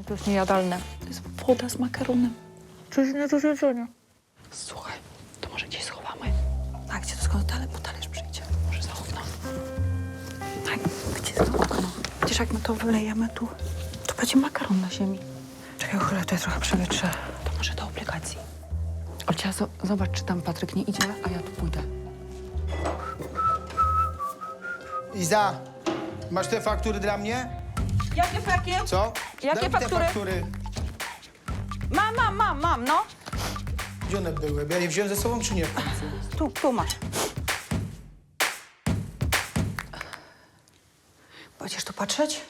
To jest niejadalne. To jest woda z makaronem. Coś nie do zjedzenia. Słuchaj, to może gdzieś schowamy. A gdzie to skąd dalej? Bo talerz przyjdzie. Może za okno. Tak, gdzie jest to okno? Przecież jak my to wylejemy tu, to będzie makaron na ziemi. Czekaj, chwilę, to ja trochę przewietrzę. To może do aplikacji. Olcia, zobacz, czy tam Patryk nie idzie, a ja tu pójdę. Iza, masz te faktury dla mnie? Jakie faktury? Co? Jakie Daj mi faktury? te faktury. Mam, no. Gdzie one były? Bo ja je wziąłem ze sobą, czy nie? w końcu? Tu masz. Będziesz tu patrzeć?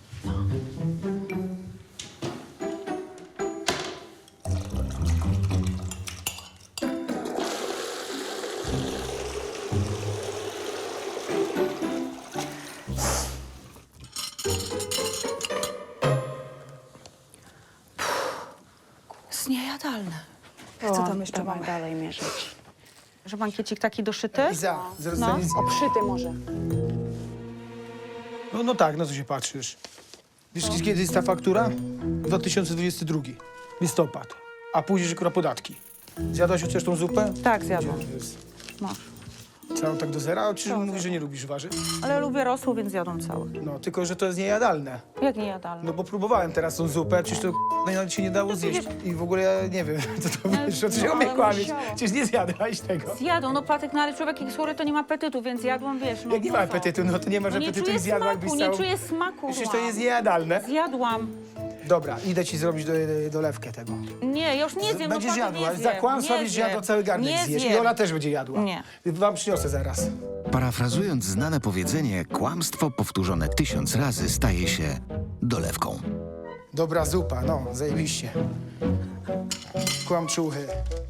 Jest niejadalne. Co tam jeszcze Dawaj mamy? dalej mierzyć. Że bankiecik taki doszyty? Iza, zaraz nic. Obszyty może. No tak, na co się patrzysz? Wiesz, kiedy jest ta faktura? 2022. Listopad. A później akurat podatki. Zjadłaś chociaż tą zupę? Tak, zjadłam. Gdzie jest? Masz. Całą tak do zera? Czy mówisz, że nie lubisz warzyw? Ale lubię rosół, więc jadłam cały. No, tylko że to jest niejadalne. Jak niejadalne? No bo próbowałem teraz tą zupę, przecież to nawet się nie dało zjeść. I w ogóle ja nie wiem, co to wiesz, o czym mnie ale kłamiesz. musiałam. Przecież nie zjadłaś tego. Zjadłam, no Patryk, no ale człowiek jak chory to nie ma apetytu, więc jadłam, wiesz, no. Jak nie ma co? apetytu, no to nie masz No nie apetytu czuję i zjadła, smaku, jakbyś nie całą... czuję smaku. Przecież to jest niejadalne. Zjadłam. Dobra, idę ci zrobić dolewkę tego. Nie, ja już nie zjem, Będziesz no Patryk, jadła. nie Za zjem, kłamstwa nie będziesz zjem. jadła cały garnek Nie zjesz. zjem. I Ola też będzie jadła. Nie. Wam przyniosę zaraz. Parafrazując znane powiedzenie, kłamstwo powtórzone 1000 razy staje się dolewką. Dobra zupa, no, zajebiście. Kłamczuchy.